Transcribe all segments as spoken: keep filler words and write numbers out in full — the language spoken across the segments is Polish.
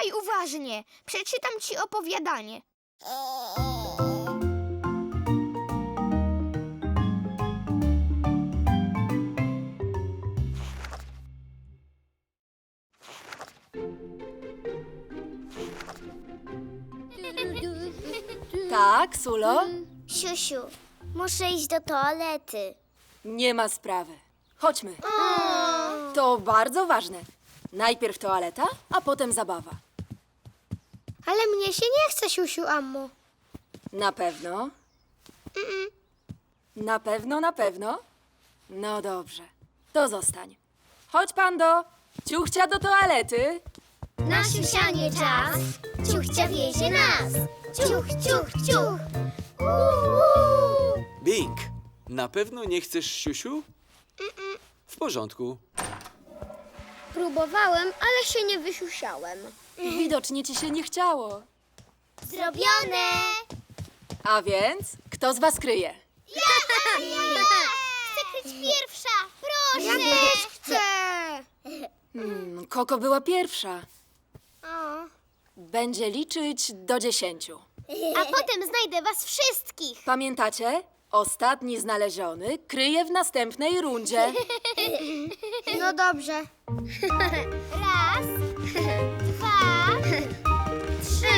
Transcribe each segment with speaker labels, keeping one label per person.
Speaker 1: Słuchaj uważnie. Przeczytam ci opowiadanie.
Speaker 2: Tak, Sulo?
Speaker 3: Siusiu, muszę iść do toalety.
Speaker 2: Nie ma sprawy. Chodźmy. To bardzo ważne. Najpierw toaleta, a potem zabawa.
Speaker 3: Ale mnie się nie chce, siusiu, ammo.
Speaker 2: Na pewno? Na pewno, na pewno? No dobrze. To zostań. Chodź, Pando. Ciuchcia do toalety.
Speaker 3: Na siusianie czas, ciuchcia wiezie nas. Ciuch, ciuch, ciuch. Uuu.
Speaker 4: Bing, na pewno nie chcesz siusiu? W porządku.
Speaker 3: Próbowałem, ale się nie wysiusiałem.
Speaker 2: Widocznie ci się nie chciało.
Speaker 3: Zrobione!
Speaker 2: A więc, kto z was kryje?
Speaker 3: Chcę kryć pierwsza, proszę!
Speaker 1: Ja też chcę.
Speaker 2: Hmm, Koko była pierwsza.
Speaker 3: O.
Speaker 2: Będzie liczyć do dziesięciu.
Speaker 3: A potem znajdę was wszystkich.
Speaker 2: Pamiętacie? Ostatni znaleziony kryje w następnej rundzie.
Speaker 3: No dobrze. Raz, dwa, trzy,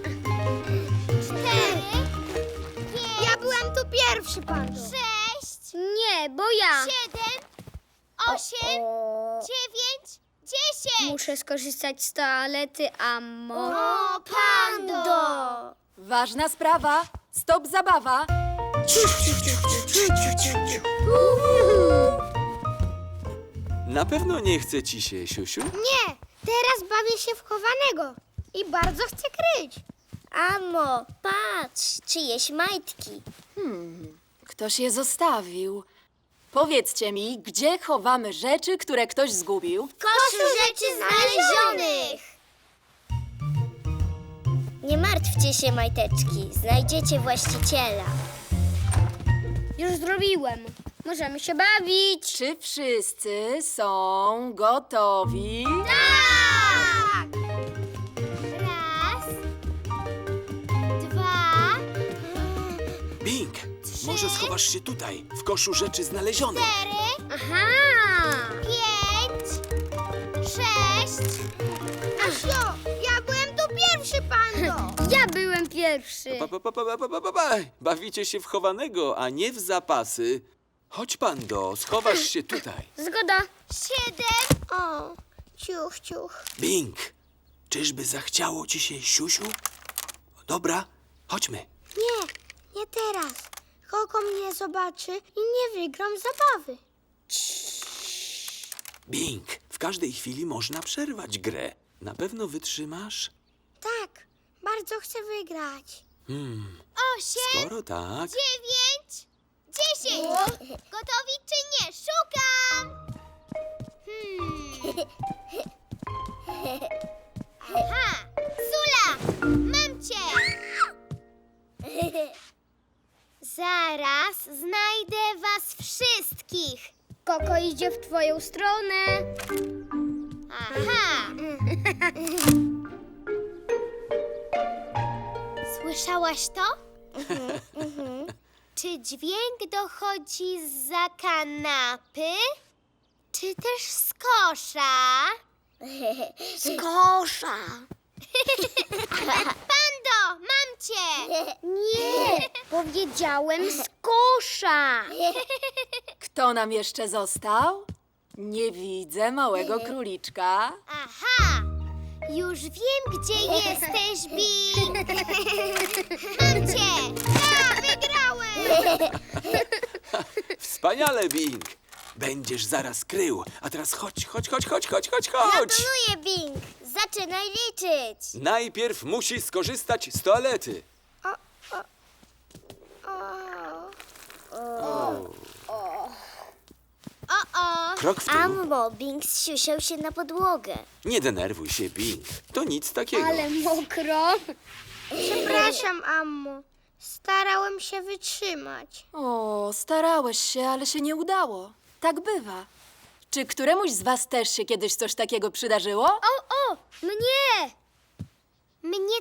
Speaker 3: cztery, pięć.
Speaker 1: Ja byłem tu pierwszy, Pando.
Speaker 3: Sześć. Nie, bo ja. Siedem, osiem, dziewięć, dziesięć.
Speaker 5: Muszę skorzystać z toalety, ammo.
Speaker 3: O, Pando!
Speaker 2: Ważna sprawa. Stop zabawa.
Speaker 4: Na pewno nie chce ci się siusiu?
Speaker 3: Nie, teraz bawię się w chowanego i bardzo chcę kryć. Amo, patrz, czyjeś majtki.
Speaker 2: Ktoś je zostawił. Powiedzcie mi, gdzie chowamy rzeczy, które ktoś zgubił?
Speaker 3: Koszu rzeczy znalezionych! Nie martwcie się, majteczki, znajdziecie właściciela.
Speaker 5: Już zrobiłem. Możemy się bawić.
Speaker 2: Czy wszyscy są gotowi?
Speaker 3: Tak! Raz, dwa,
Speaker 4: Bing, może schowasz się tutaj, w koszu rzeczy znalezionych.
Speaker 3: cztery,
Speaker 5: Aha!
Speaker 3: pięć, sześć.
Speaker 1: Asio, ja byłem tu pierwszy, Pando.
Speaker 5: Ja byłem pierwszy.
Speaker 4: Pa, pa, pa, pa, pa, pa, pa, pa. Bawicie się w chowanego, a nie w zapasy. Chodź, Pando, schowasz się tutaj.
Speaker 5: Zgoda.
Speaker 3: Siedem.
Speaker 1: O, ciuch, ciuch.
Speaker 4: Bing, czyżby zachciało ci się siusiu? Dobra, chodźmy.
Speaker 1: Nie, nie teraz. Koko mnie zobaczy i nie wygram zabawy.
Speaker 4: Bing, w każdej chwili można przerwać grę. Na pewno wytrzymasz?
Speaker 1: Tak, bardzo chcę wygrać.
Speaker 4: Hmm,
Speaker 3: Osiem,
Speaker 4: skoro tak...
Speaker 3: dziewięć, dziesięć. Gotowi czy nie? Szukam. Hmm. Aha, Sula, mam cię. Zaraz znajdę was wszystkich.
Speaker 5: Koko idzie w twoją stronę.
Speaker 3: Aha. Słyszałaś to? Czy dźwięk dochodzi zza kanapy? Czy też z kosza?
Speaker 5: Z kosza.
Speaker 3: Pando, mam cię!
Speaker 5: Nie, powiedziałem z kosza.
Speaker 2: Kto nam jeszcze został? Nie widzę małego króliczka.
Speaker 3: Aha! Już wiem, gdzie jesteś, Bing! Mam cię! Ja wygrałem!
Speaker 4: Wspaniale, Bing. Będziesz zaraz krył. A teraz chodź, chodź, chodź, chodź, chodź, chodź, chodź.
Speaker 3: Gratuluję, Bing! Zaczynaj liczyć!
Speaker 4: Najpierw musi skorzystać z toalety.
Speaker 3: O-o!
Speaker 4: Krok w tył.
Speaker 3: Ammo, Bing zsiusiał się na podłogę.
Speaker 4: Nie denerwuj się, Bing. To nic takiego.
Speaker 5: Ale mokro.
Speaker 1: Przepraszam, Ammo. Starałem się wytrzymać.
Speaker 2: O, starałeś się, ale się nie udało. Tak bywa. Czy któremuś z was też się kiedyś coś takiego przydarzyło?
Speaker 5: O, o, mnie.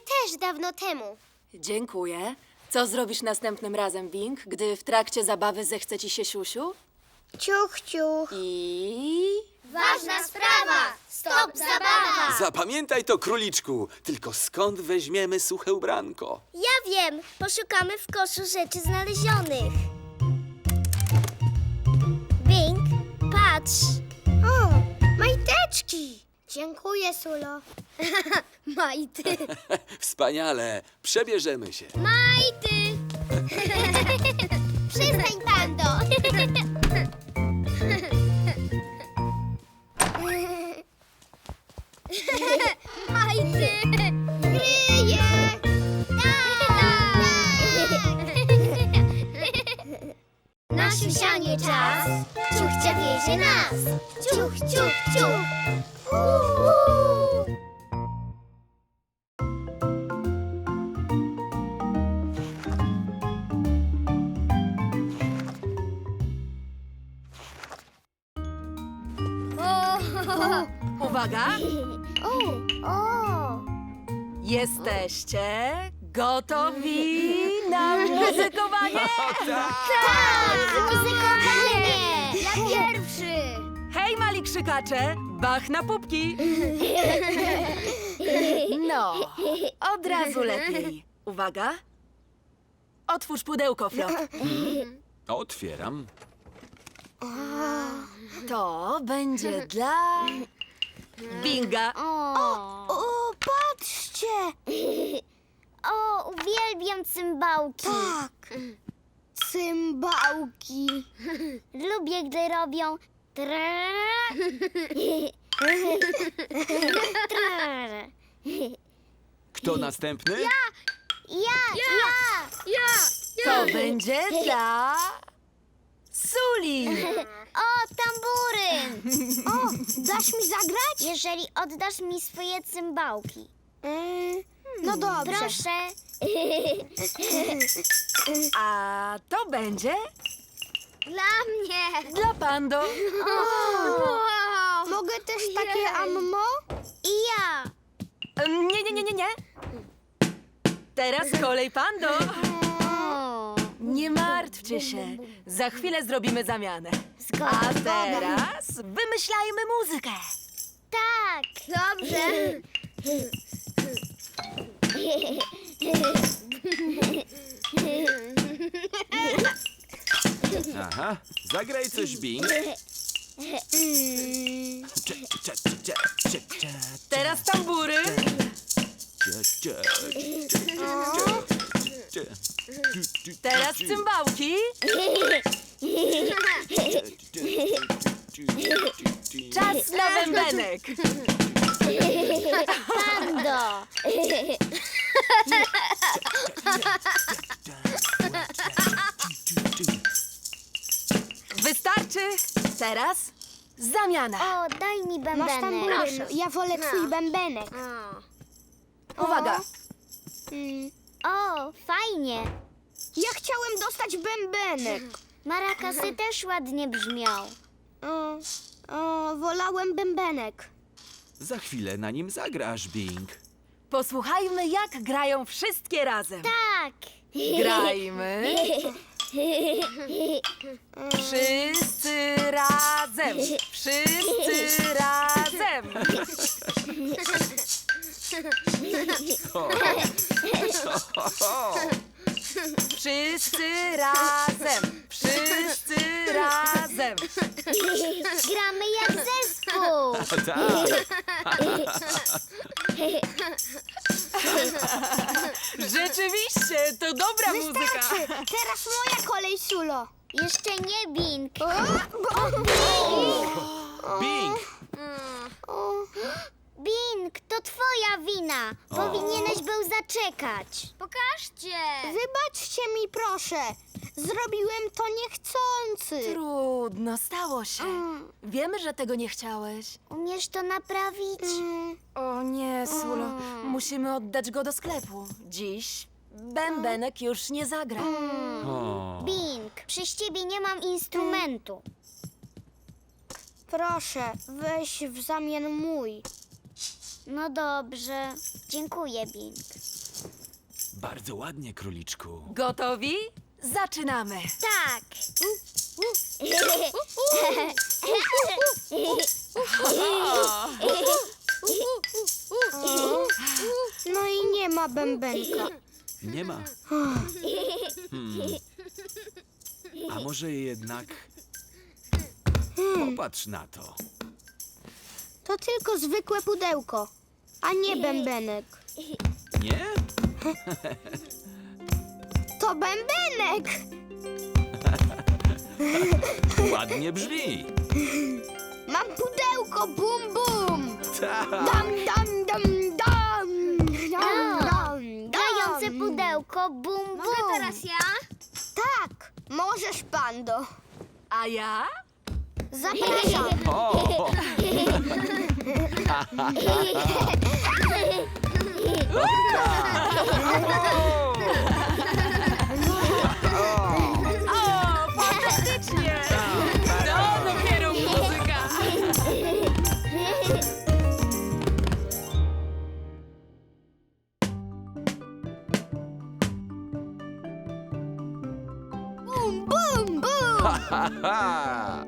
Speaker 3: też dawno temu.
Speaker 2: Dziękuję. Co zrobisz następnym razem, Bing, gdy w trakcie zabawy zechce ci się siusiu?
Speaker 1: Ciuch, ciuch.
Speaker 2: I...
Speaker 3: Ważna sprawa! Stop zabawa!
Speaker 4: Zapamiętaj to, króliczku. Tylko skąd weźmiemy suche ubranko?
Speaker 3: Ja wiem, poszukamy w koszu rzeczy znalezionych. Bing, patrz.
Speaker 1: O, majteczki. Dziękuję, Sulo.
Speaker 3: Majty.
Speaker 4: Wspaniale. Przebierzemy się.
Speaker 3: Majty! Przestań, Pando! Majty! Kryje! Na siusianie czas, ciuchcia wiezie nas. Ciuch, ciuch, ciuch. Uuu.
Speaker 2: Uwaga!
Speaker 3: O, o.
Speaker 2: Jesteście gotowi na muzykowanie?
Speaker 3: Muzykowanie! Ja pierwszy!
Speaker 2: Hej, mali krzykacze! Bach na pupki! No, od razu lepiej. Uwaga! Otwórz pudełko, Flop.
Speaker 4: Otwieram.
Speaker 2: To będzie dla... Binga.
Speaker 1: O, patrzcie.
Speaker 3: O, uwielbiam cymbałki.
Speaker 1: Tak. Cymbałki.
Speaker 3: Lubię, gdy robią tra. Tra.
Speaker 4: Kto następny?
Speaker 3: Ja, ja,
Speaker 2: To będzie dla... Suli.
Speaker 3: O, tamburyn!
Speaker 1: O, dasz mi zagrać?
Speaker 3: Jeżeli oddasz mi swoje cymbałki.
Speaker 1: Yy, no dobrze.
Speaker 3: Proszę.
Speaker 2: A to będzie
Speaker 3: Dla mnie.
Speaker 2: dla Pando.
Speaker 1: Mogę też takie ammo?
Speaker 3: I ja.
Speaker 2: Em, Nie, nie, nie, nie, nie. Teraz kolej Pando. Nie martwcie się. Za chwilę zrobimy zamianę. A teraz wymyślajmy muzykę.
Speaker 3: Tak. Dobrze.
Speaker 4: Aha. Zagraj coś, Bing. Cze, cze, cze, cze, cze, cze,
Speaker 2: Teraz tambury.
Speaker 4: cze, cze, cze, cze, cze.
Speaker 2: Teraz cymbałki. Czas na bębenek.
Speaker 3: Pando.
Speaker 2: Wystarczy. Teraz zamiana.
Speaker 3: O, daj mi
Speaker 1: Masz
Speaker 3: bębenek.
Speaker 1: tamburyn. Ja wolę twój bębenek.
Speaker 2: Uwaga.
Speaker 1: Mm,
Speaker 3: O, fajnie.
Speaker 1: ja chciałem dostać bębenek.
Speaker 3: Marakasy też ładnie brzmią.
Speaker 1: O, o, wolałem bębenek.
Speaker 4: Za chwilę na nim zagrasz, Bing.
Speaker 2: Posłuchajmy, jak grają wszystkie razem.
Speaker 3: Tak.
Speaker 2: Grajmy. Wszyscy razem. Wszyscy razem. Wszyscy razem. Wszyscy razem.
Speaker 3: Gramy jak zespół.
Speaker 4: Tak.
Speaker 2: Rzeczywiście, to dobra muzyka.
Speaker 1: Wystarczy. Teraz moja kolej, Sulo.
Speaker 3: Jeszcze nie Bing.
Speaker 4: Bing!
Speaker 3: Bing, to twoja wina. Powinieneś był zaczekać. Pokażcie.
Speaker 1: Wybaczcie mi, proszę. Zrobiłem to niechcący.
Speaker 2: Trudno, stało się. Wiemy, że tego nie chciałeś.
Speaker 3: Umiesz to naprawić?
Speaker 1: Mm,
Speaker 2: O nie, Sulo. Musimy oddać go do sklepu. Dziś bębenek już nie zagra.
Speaker 4: O.
Speaker 3: Bing, przez ciebie nie mam instrumentu.
Speaker 1: proszę, weź w zamian mój.
Speaker 5: No dobrze. Dziękuję, Bing.
Speaker 4: Bardzo ładnie, króliczku.
Speaker 2: Gotowi? Zaczynamy.
Speaker 5: Tak.
Speaker 1: No i nie ma bębenka.
Speaker 4: Nie ma. Hmm. A może jednak... Popatrz na to.
Speaker 1: To tylko zwykłe pudełko, a nie bębenek.
Speaker 4: Nie?
Speaker 1: To bębenek!
Speaker 4: Ładnie brzmi.
Speaker 1: Mam pudełko, bum bum!
Speaker 4: Tak.
Speaker 1: Dam, dam, dam, dam! Dam, dam,
Speaker 5: Grające
Speaker 1: dam.
Speaker 5: pudełko, bum, bum. Mogę teraz ja?
Speaker 1: Tak, możesz, Pando.
Speaker 2: A ja?
Speaker 1: Zapraszam.
Speaker 4: O!
Speaker 2: O, fantastycznie! To dopiero muzyka!
Speaker 1: Bum, bum, bum!
Speaker 4: Ha, ha.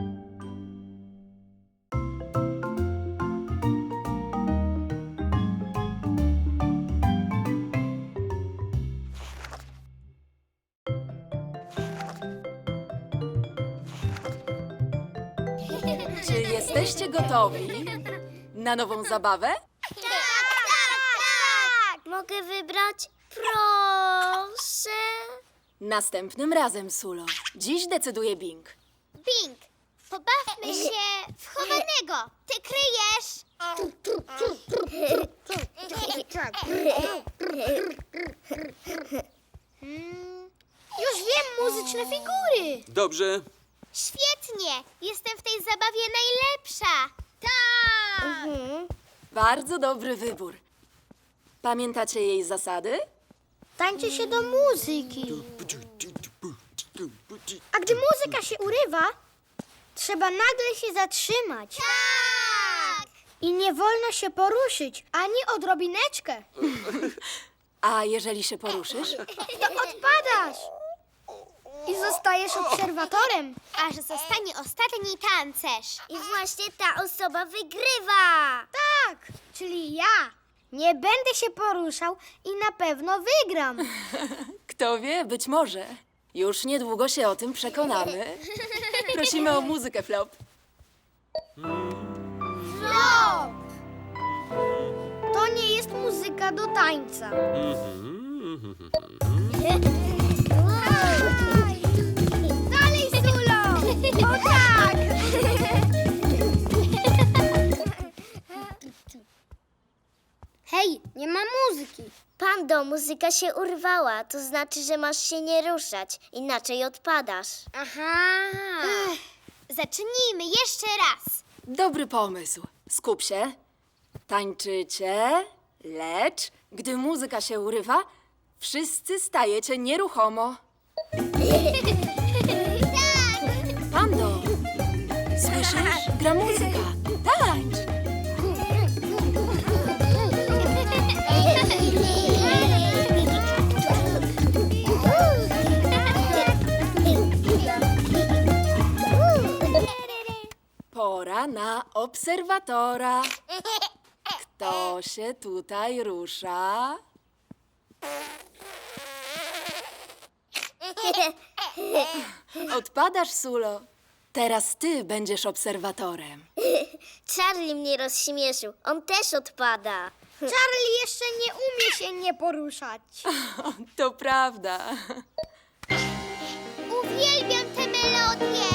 Speaker 2: Czy jesteście gotowi na nową zabawę?
Speaker 5: Tak, tak. Mogę wybrać? Proszę.
Speaker 2: Następnym razem, Sulo. Dziś decyduje Bing.
Speaker 5: Bing, pobawmy się w chowanego. Ty kryjesz.
Speaker 1: Już wiem, muzyczne figury.
Speaker 4: Dobrze.
Speaker 5: Świetnie. Jestem w tej zabawie najlepsza. Tak.
Speaker 2: Bardzo dobry wybór. Pamiętacie jej zasady?
Speaker 1: Tańczy się do muzyki. A gdy muzyka się urywa, trzeba nagle się zatrzymać.
Speaker 5: Tak.
Speaker 1: I nie wolno się poruszyć, ani odrobineczkę.
Speaker 2: A jeżeli się poruszysz?
Speaker 1: To odpadasz. I zostajesz obserwatorem.
Speaker 5: Aż zostanie ostatni tancerz. I właśnie ta osoba wygrywa.
Speaker 1: Tak, czyli ja. Nie będę się poruszał i na pewno wygram.
Speaker 2: Kto wie, być może. Już niedługo się o tym przekonamy. Prosimy o muzykę, Flop.
Speaker 1: Flop! To nie jest muzyka do tańca. Dalej, Sulo! O tak!
Speaker 5: Hej, nie ma muzyki. Pando, muzyka się urwała. To znaczy, że masz się nie ruszać. Inaczej odpadasz. Aha. Zacznijmy jeszcze raz.
Speaker 2: Dobry pomysł. Skup się. Tańczycie, lecz gdy muzyka się urywa, wszyscy stajecie nieruchomo. Pando, słyszysz? Gra muzyka. Tańcz! Pora na obserwatora. Kto się tutaj rusza? Odpadasz, Sulo. Teraz ty będziesz obserwatorem.
Speaker 5: Charlie mnie rozśmieszył. On też odpada.
Speaker 1: Charlie jeszcze nie umie się nie poruszać.
Speaker 2: To prawda.
Speaker 5: Uwielbiam tę melodię.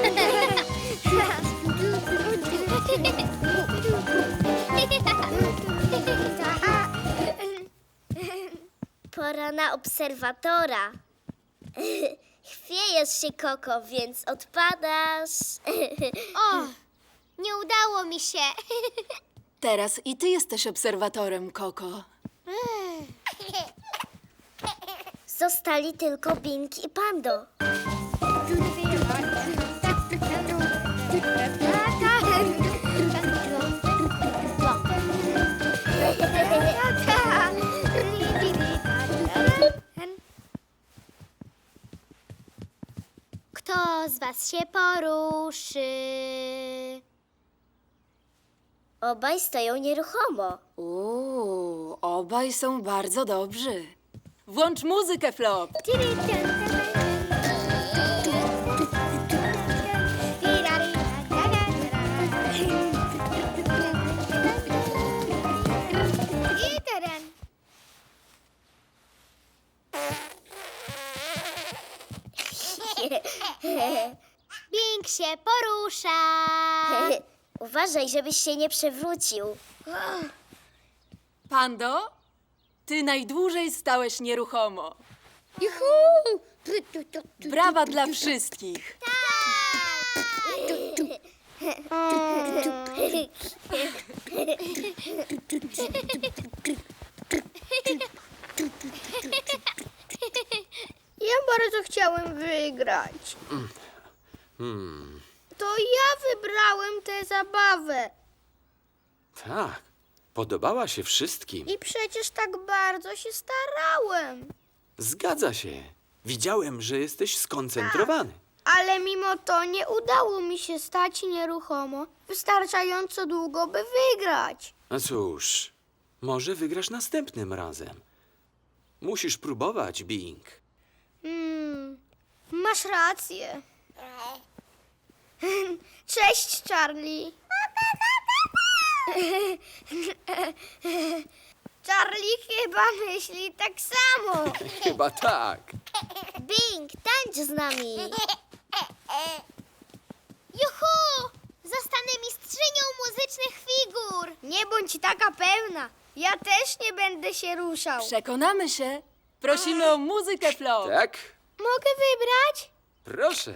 Speaker 5: Pora na obserwatora. Chwiejesz się, Koko, więc odpadasz. O, nie udało mi się.
Speaker 2: Teraz i ty jesteś obserwatorem, Koko.
Speaker 5: Zostali tylko Bing i Pando.
Speaker 3: teraz się poruszy.
Speaker 5: Obaj stoją nieruchomo.
Speaker 2: Uuu, obaj są bardzo dobrzy. Włącz muzykę, Flop.
Speaker 3: I teren. Bing się porusza.
Speaker 5: Uważaj, żebyś się nie przewrócił.
Speaker 2: Pando, ty najdłużej stałeś nieruchomo.
Speaker 3: Juhu!
Speaker 2: Brawa dla wszystkich.
Speaker 1: Ja bardzo chciałem wygrać.
Speaker 4: Hmm,
Speaker 1: To ja wybrałem tę zabawę.
Speaker 4: tak. Podobała się wszystkim.
Speaker 1: I przecież tak bardzo się starałem.
Speaker 4: Zgadza się. Widziałem, że jesteś skoncentrowany.
Speaker 1: Ale mimo to nie udało mi się stać nieruchomo wystarczająco długo, by wygrać.
Speaker 4: A cóż, może wygrasz następnym razem. Musisz próbować, Bing.
Speaker 1: Hmm, masz rację. Cześć, Charlie. Charlie chyba myśli tak samo.
Speaker 4: Chyba tak.
Speaker 5: Bing, tańcz z nami.
Speaker 3: Juhu! Zostanę mistrzynią muzycznych figur.
Speaker 1: Nie bądź taka pewna. Ja też nie będę się ruszał.
Speaker 2: Przekonamy się. Prosimy o muzykę, Flop.
Speaker 4: Tak?
Speaker 1: Mogę wybrać?
Speaker 4: Proszę.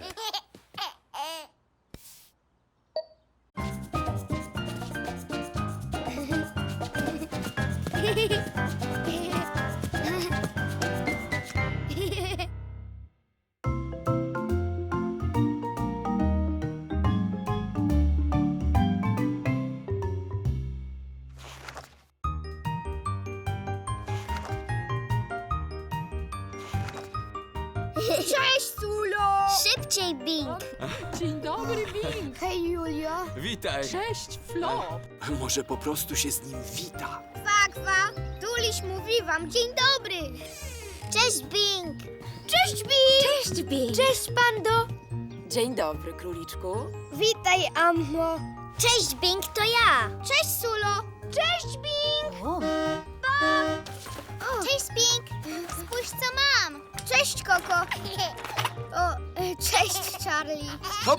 Speaker 1: Cześć, Sulo.
Speaker 5: Szybciej, Bing.
Speaker 2: Dzień dobry, Bing.
Speaker 1: Hej, Julio.
Speaker 4: Witaj.
Speaker 2: Cześć, Flop.
Speaker 4: Może po prostu się z nim wita.
Speaker 1: Kwakwa, Tuliś mówi wam dzień dobry.
Speaker 5: Cześć, Bing.
Speaker 1: Cześć, Bing.
Speaker 3: Cześć, Bing.
Speaker 1: Cześć, Pando.
Speaker 2: Dzień dobry, króliczku.
Speaker 1: Witaj, Ammo.
Speaker 5: Cześć, Bing, to ja.
Speaker 1: Cześć, Sulo. Cześć, Bing.
Speaker 2: O,
Speaker 3: Cześć, Bing. Spójrz, co mam.
Speaker 1: Cześć, Koko. O, e, cześć, Charlie.
Speaker 4: Hop!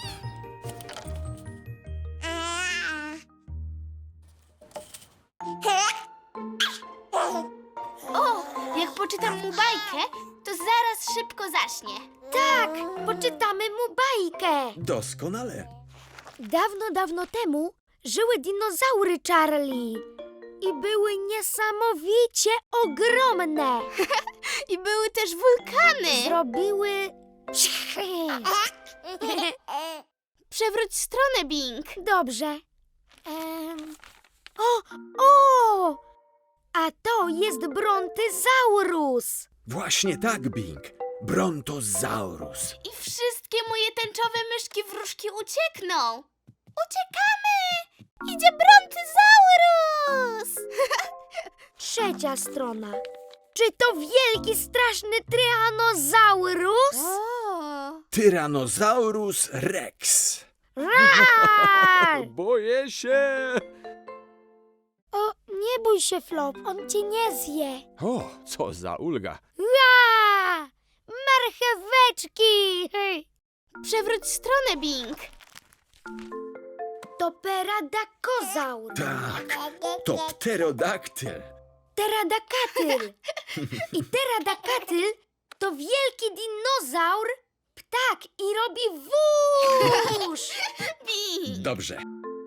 Speaker 3: O, jak poczytam mu bajkę, to zaraz szybko zaśnie.
Speaker 1: Tak, poczytamy mu bajkę.
Speaker 6: Doskonale.
Speaker 1: Dawno, dawno temu żyły dinozaury, Charlie. I były niesamowicie ogromne.
Speaker 3: I były też wulkany.
Speaker 1: Zrobiły...
Speaker 3: Przewróć stronę, Bing.
Speaker 1: Dobrze. Em... O, o! A to jest brontyzaurus.
Speaker 6: Właśnie tak, Bing. Brontozaurus.
Speaker 3: I wszystkie moje tęczowe myszki wróżki uciekną. Uciekamy! Idzie brontyzaurus!
Speaker 1: Trzecia strona. Czy to wielki, straszny tyrannozaurus?
Speaker 3: O.
Speaker 6: Tyrannosaurus rex.
Speaker 1: Rar!
Speaker 6: Boję się.
Speaker 1: O, nie bój się, Flop, on cię nie zje.
Speaker 6: O, co za ulga.
Speaker 1: Ua! Marcheweczki! Hej.
Speaker 3: Przewróć stronę, Bing.
Speaker 1: To peradakozaur.
Speaker 6: Tak, to pterodaktyl.
Speaker 1: Teradakatyl. I teradakatyl to wielki dinozaur, ptak i robi wóż.
Speaker 3: Bing.
Speaker 6: Dobrze.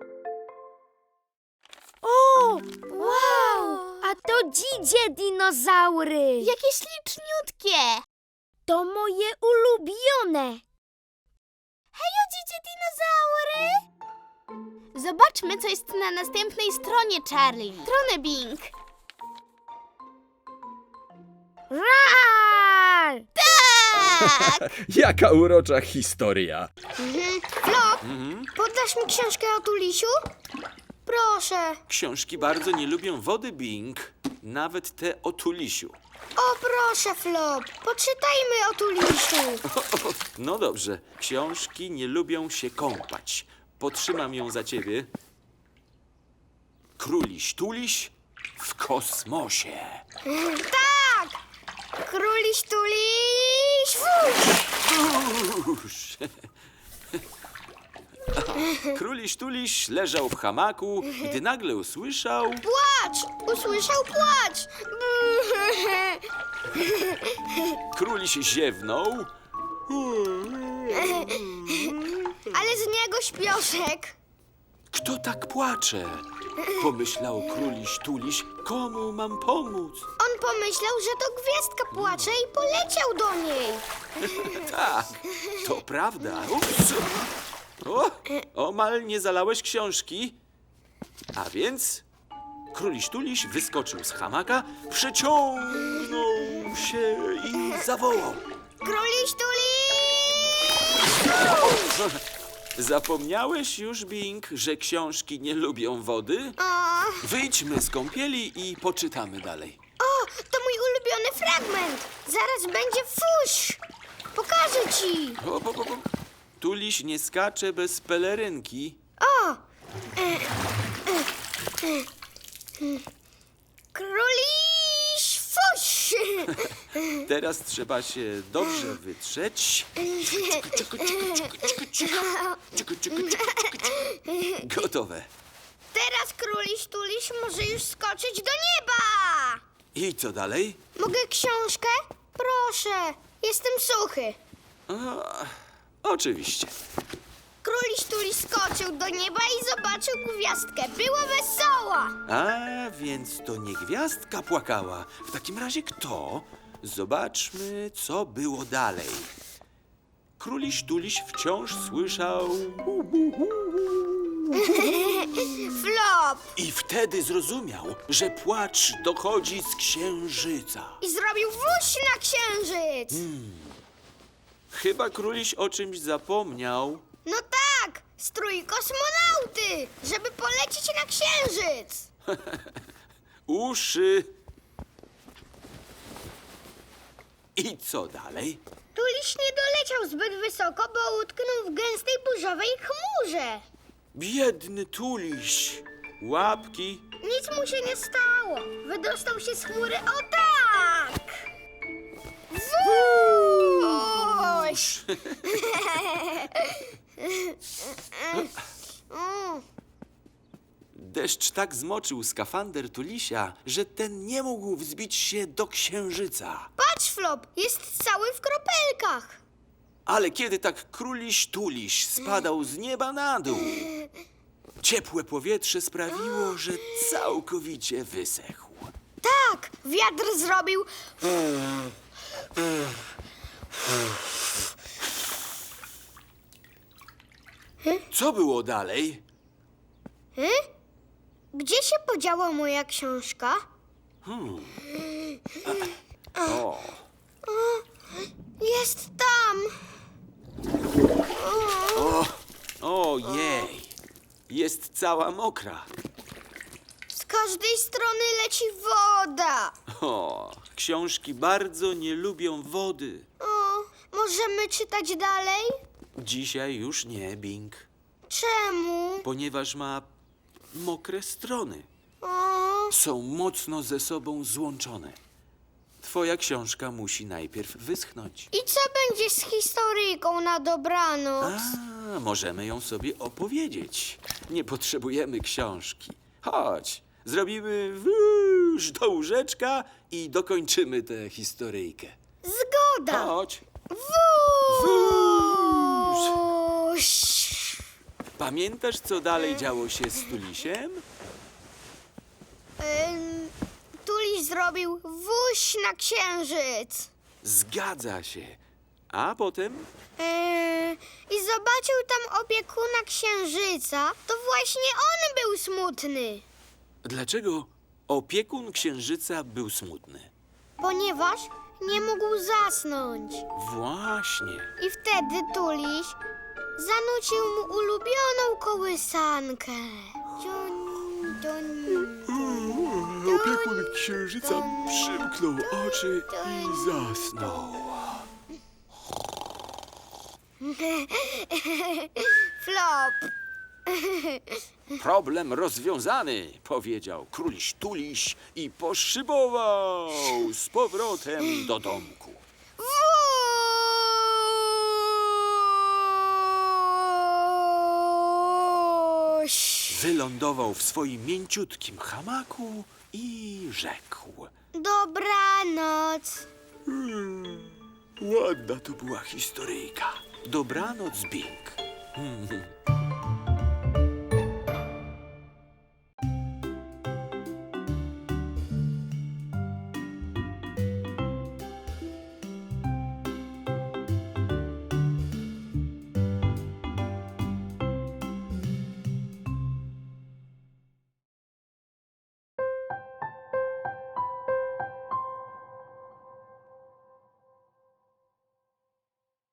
Speaker 1: O, wow! A to dzidzie dinozaury.
Speaker 3: Jakie śliczniutkie.
Speaker 1: To moje ulubione.
Speaker 3: Hejo, dzidzie dinozaury. Zobaczmy, co jest na następnej stronie, Charlie. Stronę, Bing.
Speaker 1: Rar!
Speaker 3: Tak!
Speaker 6: Jaka urocza historia.
Speaker 1: Flop, poddasz mi książkę o Tulisiu? Proszę.
Speaker 4: Książki bardzo nie lubią wody, Bing. Nawet te o Tulisiu.
Speaker 1: O, proszę, Flop. Poczytajmy o Tulisiu.
Speaker 4: No dobrze, książki nie lubią się kąpać. Potrzymam ją za ciebie. Króliś Tuliś w kosmosie.
Speaker 1: Tak! Króliś Tuliś, fuś!
Speaker 4: Uż. Króliś Tuliś leżał w hamaku, gdy nagle usłyszał...
Speaker 1: Płacz! Usłyszał płacz!
Speaker 4: Króliś ziewnął,
Speaker 1: Ale z niego śpioszek.
Speaker 4: kto tak płacze? Pomyślał Króliś Tuliś, komu mam pomóc?
Speaker 1: On pomyślał, że to gwiazdka płacze i poleciał do niej.
Speaker 4: Tak, to prawda. Ups. O, omal nie zalałeś książki. A więc Króliś Tuliś wyskoczył z hamaka, przeciągnął się i zawołał.
Speaker 1: Króliś Tuliś!
Speaker 4: Zapomniałeś już, Bing, że książki nie lubią wody?
Speaker 1: O,
Speaker 4: Wyjdźmy z kąpieli i poczytamy dalej.
Speaker 1: o, to mój ulubiony fragment. Zaraz będzie fuś. Pokażę ci.
Speaker 4: O, bo, bo, bo. Tuliś nie skacze bez pelerynki.
Speaker 1: O! Króliś fuś!
Speaker 4: Teraz trzeba się dobrze wytrzeć. Ciku, ciku, ciku, ciku, ciku. Ciku, ciku, ciku, ciku, ciku. Gotowe.
Speaker 1: Teraz króliś Tuliś może już skoczyć do nieba!
Speaker 4: I co dalej?
Speaker 1: Mogę książkę? Proszę, jestem suchy.
Speaker 4: O, oczywiście.
Speaker 1: Króliś Tuliś skoczył do nieba i zobaczył gwiazdkę. Było wesoło!
Speaker 4: A, więc to nie gwiazdka płakała. W takim razie kto? Zobaczmy, co było dalej. Króliś Tuliś wciąż słyszał...
Speaker 1: Flop!
Speaker 4: I wtedy zrozumiał, że płacz dochodzi z księżyca.
Speaker 1: I zrobił wuś na księżyc!
Speaker 4: Chyba Króliś o czymś zapomniał.
Speaker 1: No tak! Strój kosmonauty! Żeby polecieć na księżyc!
Speaker 4: Uszy. I co dalej?
Speaker 1: Tuliś nie doleciał zbyt wysoko, bo utknął w gęstej burzowej chmurze.
Speaker 4: Biedny Tuliś. Łapki.
Speaker 1: Nic mu się nie stało. Wydostał się z chmury o tak! Wuś! Mm.
Speaker 4: Deszcz tak zmoczył skafander Tulisia, że ten nie mógł wzbić się do księżyca.
Speaker 1: Patrz, Flop, jest cały w kropelkach.
Speaker 4: Ale kiedy tak Króliś Tuliś spadał z nieba na dół, ciepłe powietrze sprawiło, że całkowicie wysechł.
Speaker 1: Tak, wiatr zrobił...
Speaker 4: Co było dalej?
Speaker 1: Gdzie się podziała moja książka?
Speaker 4: O,
Speaker 1: Jest tam.
Speaker 4: ojej, jest cała mokra.
Speaker 1: Z każdej strony leci woda.
Speaker 4: O, książki bardzo nie lubią wody.
Speaker 1: O, możemy czytać dalej?
Speaker 4: Dzisiaj już nie, Bing,
Speaker 1: Czemu?
Speaker 4: ponieważ ma mokre strony.
Speaker 1: O,
Speaker 4: Są mocno ze sobą złączone. Twoja książka musi najpierw wyschnąć.
Speaker 1: i co będzie z historyjką na dobranoc?
Speaker 4: A, możemy ją sobie opowiedzieć. Nie potrzebujemy książki. Chodź, zrobimy wóż do łóżeczka i dokończymy tę historyjkę.
Speaker 1: Zgoda.
Speaker 4: Chodź.
Speaker 1: Wuś.
Speaker 4: Pamiętasz, co dalej działo się z Tulisiem?
Speaker 1: Ym, Tuliś zrobił wuś na księżyc.
Speaker 4: Zgadza się. A potem?
Speaker 1: Yy, I zobaczył tam opiekuna księżyca. To właśnie on był smutny.
Speaker 4: Dlaczego opiekun księżyca był smutny?
Speaker 1: ponieważ nie mógł zasnąć.
Speaker 4: Właśnie.
Speaker 1: I wtedy Tuliś zanucił mu ulubioną kołysankę. Ciun, ciun,
Speaker 4: Opiekun księżyca przymknął oczy i zasnął.
Speaker 1: Flop.
Speaker 4: Problem rozwiązany, powiedział króliś Tuliś i poszybował z powrotem do domku.
Speaker 1: Wuś.
Speaker 4: Wylądował w swoim mięciutkim hamaku i rzekł.
Speaker 1: Dobranoc.
Speaker 4: Hmm, ładna to była historyjka. Dobranoc, Bing.